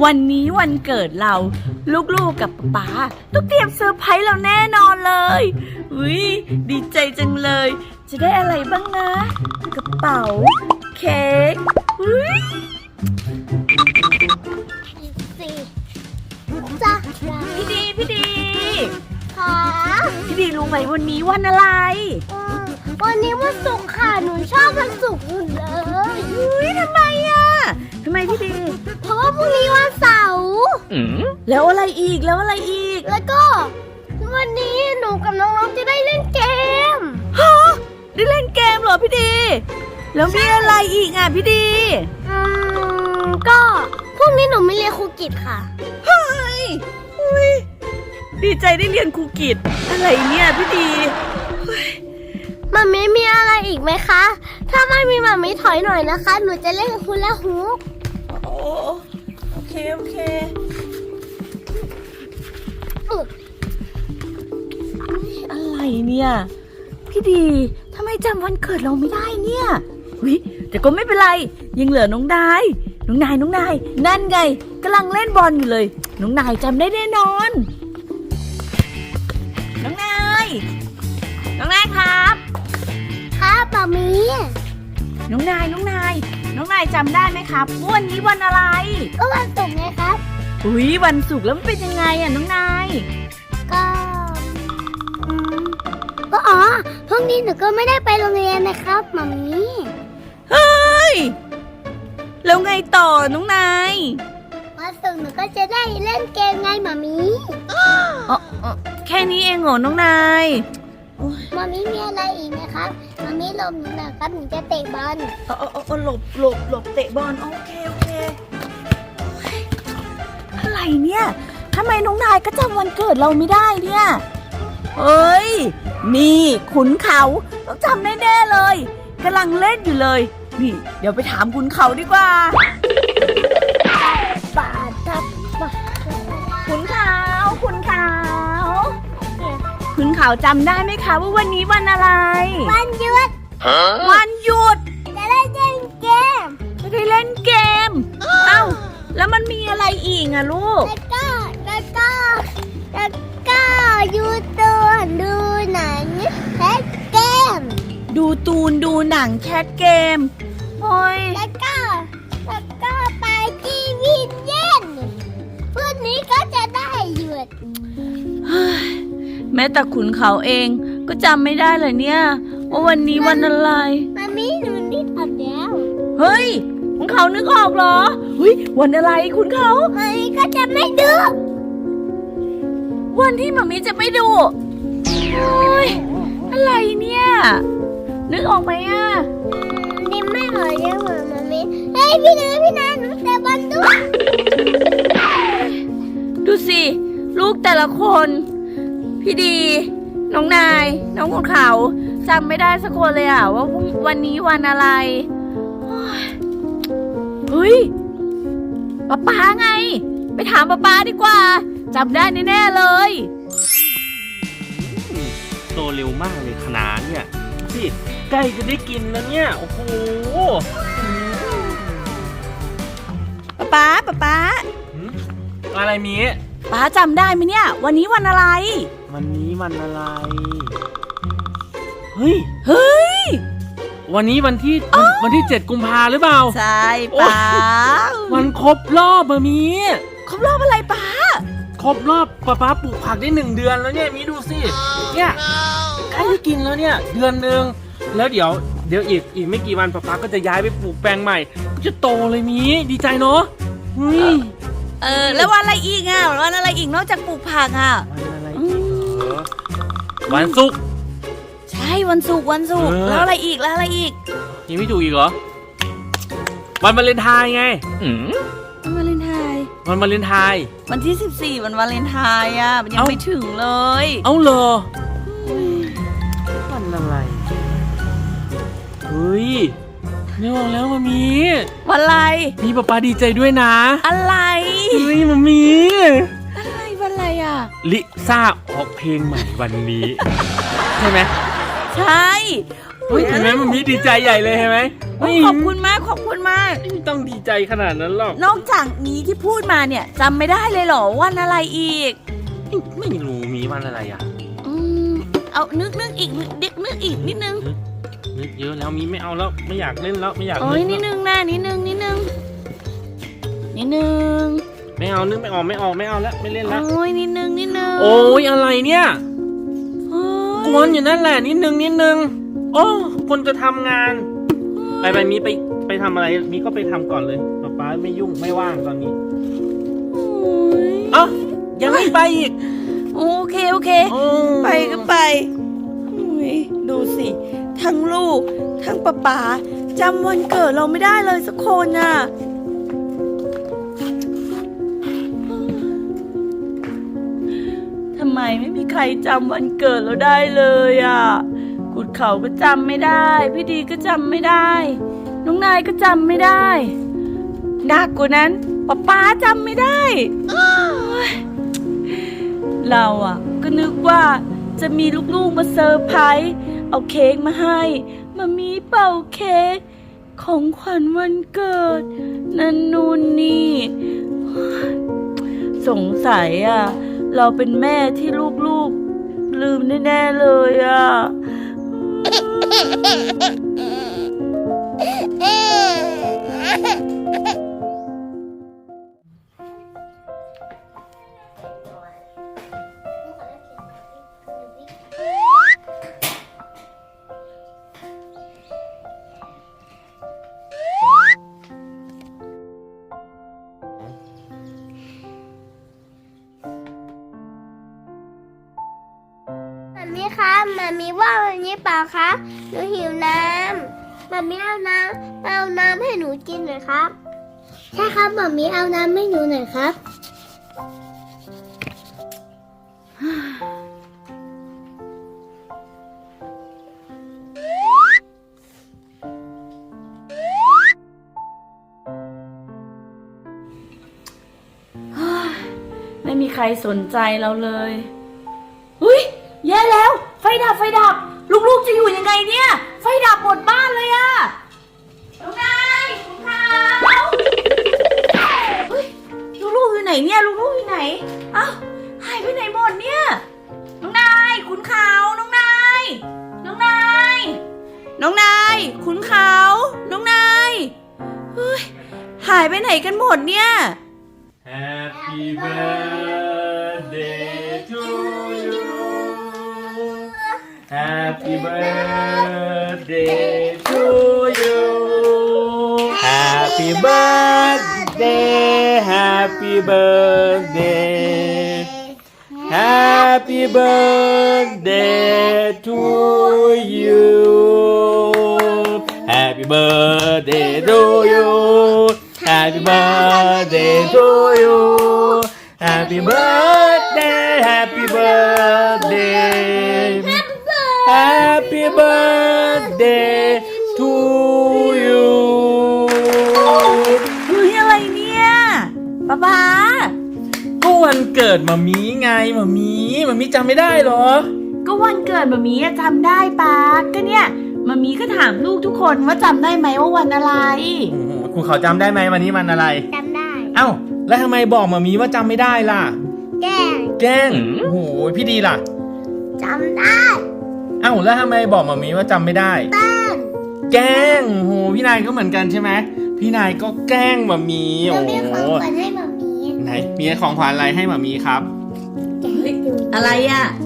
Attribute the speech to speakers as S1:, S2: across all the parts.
S1: วันนี้วันเกิดเราลูกๆกับป๊าต้องเตรียมเซอร์ไพรส์เราแน่นอนเลยอุ๊ยดีใจจังเลยจะได้อะไรบ้างนะกระเป๋าเค้กอุ๊ย
S2: จ้ะ
S1: พี่ดี
S2: ค่ะ
S1: พี่ดีรู้ไหมวันนี้วันอะไร
S2: วันนี้วันศุกร์ค่ะหนูชอบวันศุกร์เลย
S1: อุ๊ยทำไมอ่ะทำไมพี่ดี
S2: เพราะว่าพรุ่งนี้วันเสาร์
S1: แล้วอะไรอีกแล้ว
S2: ก็วันนี้หนูกับน้องๆจะได้เล่นเกม
S1: ฮะได้เล่นเกมเหรอพี่ดีแล้วมีอะไรอีกอ่ะพี่ดี
S2: ก็พรุ่งนี้หนูไม่เรียนครูกิตค่ะ
S1: เฮ้ยอุ๊ยดีใจได้เรียนครูกิตอะไรเนี่ยพี่ดี
S2: มัมมี่มีอะไรอีกไหมคะถ้าไม่มีมัมมี่ถอยหน่อยนะคะหนูจะเล่นฮูลาฮูป
S1: โอเคอะไรเนี่ยพี่ดีทำไมจำวันเกิดเราไม่ได้เนี่ยวิแต่ก็ไม่เป็นไรยังเหลือน้องนายนั่นไงกำลังเล่นบอลอยู่เลยน้องนายจำได้แน่นอนน้องนายครับ
S2: ครับมัมมี่
S1: น้องนายจำได้ไหมครับวันนี้วันอะไร
S2: ก็วันศุกร์ไงครับ
S1: อุ๊ยวันศุกร์แล้วมันเป็นยังไงอ่ะน้องนาย
S2: ก็พรุ่งนี้หนูก็ไม่ได้ไปโรงเรียนนะครับมัมมี่
S1: เฮ้ยแล้วไงต่อน้องนาย
S2: วันศุกร์หนูก็จะได้เล่นเกมไงมัมมี่
S1: แค่นี้เองเหรอน้องนาย
S2: มัมมี่มีอะไรอีกไหมครับมัมมี่หลบหนูหน่อยครับหนูจะเตะบอล
S1: หลบเตะบอลโอเคอะไรเนี่ยทำไมน้องนายก็จำวันเกิดเราไม่ได้เนี่ยเอ้ยนี่ขุนเขาต้องจำแน่ๆเลยกำลังเล่นอยู่เลยนี่เดี๋ยวไปถามขุนเขาดีกว่าขุนเขาจำได้ไหมคะว่าวันนี้วันอะไร
S2: วันหยุด
S1: จะได้เล่นเกมเอ้าแล้วมันมีอะไรอีกอะลูก
S2: แล้วก็ยูตูนดูหนังแคสเกม
S1: ดูหนังแคสเกมโอ้ย
S2: แล้วก็ไปที่วินเย็นพรุ่งนี้ก็จะได้หยุด
S1: แม้แต่ขุนเขาเองก็จำไม่ได้เลยเนี่ยว่าวันนี้วันอะไร
S2: มัมมี่หนูนึกออกแล้ว
S1: เฮ้ยขุนเขานึกออกเหรอเฮ้ยวันอะไรขุนเขา
S2: มัมมี่ก็จะไม่ดู
S1: วันที่มัมมี่จะไม่ดูโอ้ยอะไรเนี่ยนึกออกไหมอ่ะ
S2: นี่ไม่ออกยังเหรอมัมมี่เฮ้ยพี่นาหนูเตะบอลด้วย
S1: ดูสิลูกแต่ละคนพี่ดีน้องนายน้องขุนเขาจำไม่ได้สักคนเลยอ่ะว่าวันนี้วันอะไรเฮ้ยป๊าไงไปถามป๊าดีกว่าจำได้แน่ๆเลย
S3: โตเร็วมากเลยขนาดเนี่ยพี่ใกล้จะได้กินแล้วเนี่ยโอ้โห
S1: ป๊า
S3: อะไรมี
S1: ป๊าจำได้ไหมเนี่ยวันนี้วันอะไร
S3: วันนี้วันอะไรเ
S1: ฮ้ย
S3: วันนี้วันที่7 กุมภาหรือเปล่า
S1: ใช่ป๊า
S3: วันครบรอบมี
S1: ครบรอบอะไรป๊า
S3: ครบรอบป๊าปลูกผักได้1 เดือนแล้วเนี่ยมีดูสิเนี่ยใกล้จะกินแล้วเนี่ยเดือนนึงแล้วเดี๋ยวอีกไม่กี่วันป๊าก็จะย้ายไปปลูกแปลงใหม่ก็จะโตเลยมีดีใจเนาะ
S1: แล้ววันอะไรอีกอ่ะวันอะไรอีกนอกจากปลูกผักอ่ะ
S3: วันศุกร์
S1: ใช่วันศุกร์แล้วอะไรอีก
S3: ยังไม่ถูกอีกเหรอวันวาเลนไทน์ไง
S1: วันวาเลนไทน์วันที่14วันวาเลนไทน์อ่ะมันยังไม่ถึงเลย
S3: เอาเหรอวันอะไรเฮ้ยไม่บอกแล้วมามี
S1: วันอะไร
S3: นี่ป๊าดีใจด้วยนะ
S1: อะไร
S3: เฮ้ยมามี
S1: อะไรวันอะไรอ่ะ
S3: ลิซ่าออกเพลงใหม่วันนี้ใช่ไหม
S1: ใช่
S3: เห็นไหมมันมีดีใจใหญ่เลยเห็นไหม
S1: ขอบคุณมากขอบคุณมาก
S3: ไม่ต้องดีใจขนาดนั้นหรอก
S1: นอกจากนี้ที่พูดมาเนี่ยจำไม่ได้เลยเหรอวันอะไรอีก
S3: ไม่รู้มีวันอะไรอ่ะ
S1: เอานึกอีกนึกอีกนิดนึง
S3: นึกเยอะแล้วมีไม่เอาแล้วไม่อยากเล่นแล้วไม่อยาก
S1: โอ้ยนิด
S3: แล้ว
S1: นึงนะนิดนึง
S3: ไม่เอานึกไม่ออกไม่เอาแล้วไม่เล่นแล้ว
S1: โอ้ยนิดนึง
S3: โอ้ยอะไรเนี่ย
S1: โอ้ย
S3: กวนอยู่นั่นแหละนิดนึงโอ้คนจะทำงานไปมีไปทำอะไรมีก็ไปทำก่อนเลยป๊าไม่ยุ่งไม่ว่างตอนนี้
S1: โอ้ย
S3: เอ้ายังไม่ไปอีก
S1: โอเคไปก็ไปโอ้ยดูสิทั้งลูกทั้งป๊าจำวันเกิดเราไม่ได้เลยสักคนน่ะทำไมไม่มีใครจำวันเกิดเราได้เลยอ่ะกุดเขาก็จำไม่ได้พี่ดีก็จำไม่ได้น้องนายก็จำไม่ได้หนักกว่านั้นป๊าจำไม่ได้โอ๊ยเราอ่ะก็นึกว่าจะมีลูกๆมาเซอร์ไพรส์เอาเค้กมาให้มามีเป่าเค้กของขวัญวันเกิดนั่นนู่นนี่โอ๊ยสงสัยอ่ะเราเป็นแม่ที่ลูกๆลืมแน่ๆเลยอ่ะ
S2: มามีคะมามีว่าวันนี้เปล่าคะหนูหิวน้ำมามีเอาน้ำให้หนูกินหน่อยครับใช่ครับมามีเอาน้ำให้หนูหน่อยครับ
S1: ไม่มีใครสนใจเราเลยอุ้ยแย่แล้วไฟดับลูกๆจะอยู่ยังไงเนี่ยไฟดับหมดบ้านเลยอะน้องนายคุณขาวเฮ้ยลูกๆอยู่ไหนเนี่ยลูกๆอยู่ไหนเอ้าหายไปไหนหมดเนี่ยน้องนายคุณขาวน้องนายคุณขาวน้องนายเฮ้ยหายไปไหนกันหมดเนี่ย
S3: Happy birthday to you Happy birthday to you Happy birthday Happy birthday Happy birthday to you Happy birthday to you Happy birthday to you Happy birthday Happy birthday Happy birthday to you
S1: เฮ้ยอะไรเนี่ยป๊า
S3: ก็วันเกิดมามีไงมามีจำไม่ได้เหรอ
S1: ก็วันเกิดมามีจำได้ป๊าก็เนี่ยมามีก็ถามลูกทุกคนว่าจำได้ไหมว่าวันอะไร
S3: คุณเขาจำได้ไหมวันนี้วันอะไร
S2: จำได้
S3: เอ้าแล้วทำไมบอกมามีว่าจำไม่ได้ล่ะ
S2: แกล้ง
S3: แกล้งโอ้โหพี่ดีล่ะ
S2: จำได้
S3: เอ้าแล้วทำไมบอกมามีว่าจำไม่ได้
S2: แป้ง
S3: แกล้งโหพี่นายก็เหมือนกันใช่ไหมพี่นายก็แกล้งมามี
S2: หนู
S3: โอ้
S2: มีของ
S3: โห
S2: ขวัญให้มามี
S3: ไหนมีของขวัญอะไรให้มามีครับ
S2: แกะให้ดู
S1: อะไรอ่ะ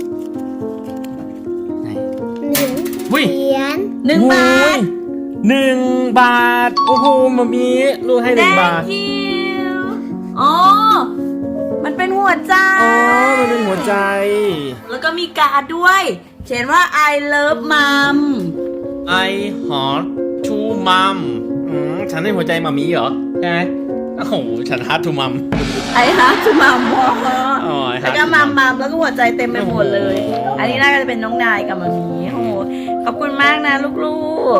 S3: ไหน
S2: หนึ่ง
S3: อุ้ย
S2: เหรียญ
S1: 1 บาท
S3: 1 บาทโอ้โหมามีลูกให้1 บาท
S1: Thank you อ๋อมันเป็นหัวใจ
S3: อ๋อมันเป็นหัวใจ
S1: แล้วก็มีการ์ดด้วยเขียนว่า I love mom
S3: I heart to mom ฉันให้หัวใจมามีเหรอใช่ไหมโอ้โหฉัน heart to mom
S1: I have to mom
S3: อ๋อ I
S1: แล้ว
S3: heart
S1: ก็
S3: to
S1: มัม
S3: mom
S1: มัมแล้วก็หัวใจเต็มไปหมดเลย อันนี้น่าจะเป็นน้องนายกับมามีโอ้โหขอบคุณมากนะลูก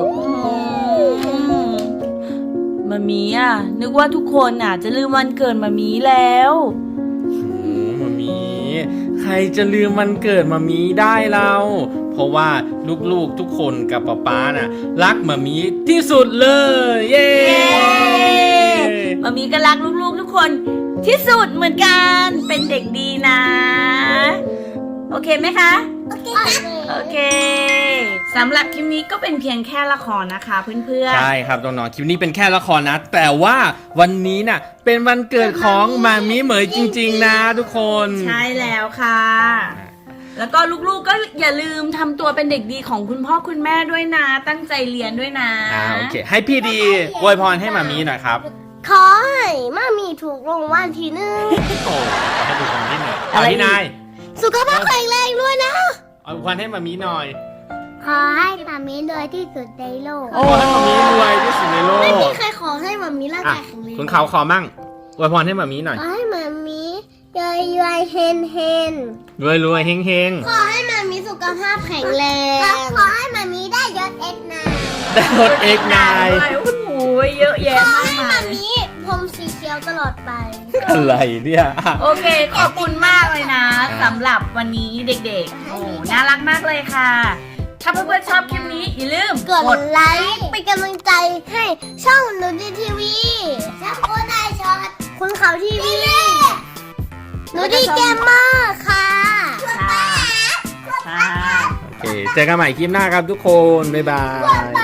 S1: ๆมามีอ่ะนึกว่าทุกคนอ่ะจะลืมวันเกิดมามีแล้ว
S3: โอ้มามีใครจะลืมวันเกิดมามีได้เราเพราะว่าลูกๆทุกคนกับป๊าน่ะรักมามีที่สุดเลยเย้
S1: มามีก็รักลูกๆทุกคนที่สุดเหมือนกันเป็นเด็กดีนะ โอเคไหมคะ
S2: โอเคครับ
S1: โอเคสำหรับคลิปนี้ก็เป็นเพียงแค่ละครนะคะเพื่อนๆ
S3: ใช่ครับน้องๆคลิปนี้เป็นแค่ละครนะ แต่ว่าวันนี้น่ะเป็นวันเกิดของมามีเหมยจริงๆนะทุกคน
S1: ใช่แล้วค่ะ แล้วก็ลูกๆก็อย่าลืมทำตัวเป็นเด็กดีของคุณพ่อคุณแม่ด้วยนะ ตั้งใจเรียนด้วยนะ
S3: โอเคให้พี่ดีอวยพรให้มามีหน่อยครับ
S2: ขอให้มามีถูกรางวัลที่หนึ่ง
S3: โอ้ให้ดูคนที่หนึ่ง
S1: อะไรอีก
S3: พี่นาย
S2: สุขภาพแข็งแรงด้วยนะ
S3: อวยพรให้มามีหน่อย
S2: ขอให้มามีรวยที่สุดในโลก
S3: ขอให้มามีรวยที่สุดในโลก
S2: ไม่มีใครขอให้มามีร่าง
S3: อ่ะ
S2: กายแข็งแรง
S3: คุณเขาขอมั่งอวยพรให้มามีหน่อย
S2: ขอให้มามีรวยเฮนเฮน
S3: รวยๆเฮง
S2: ขอให้มามีสุขภาพแข็งแรงขอให้มามีได้ยศเอ็กนา
S3: ๆได้รถเอกนาย
S1: โอ้โหเยอะแยะ
S2: ขอ
S1: มาก
S2: ให้
S1: มา
S2: มาย มีผมสีเขียวตลอดไป
S3: อะไรเนี่ยอ่ะ
S1: โอเคขอบคุณมากเลยนะสำหรับวันนี้เด็กๆโอ้น่ารักมากเลยค่ะ ถ้าเพื่อนๆชอบคลิปนี้อย่าลืม
S2: กดไลค์เป็นกำลังใจให้ช่องนูดีทีวีช่องโคได้ช็อตคุณเขาทีวีนูดีเกมเมอร์ค่ะ
S1: ค่ะ
S3: โอเคเจอกันใหม่คลิปหน้าครับทุกคน บ๊ายบาย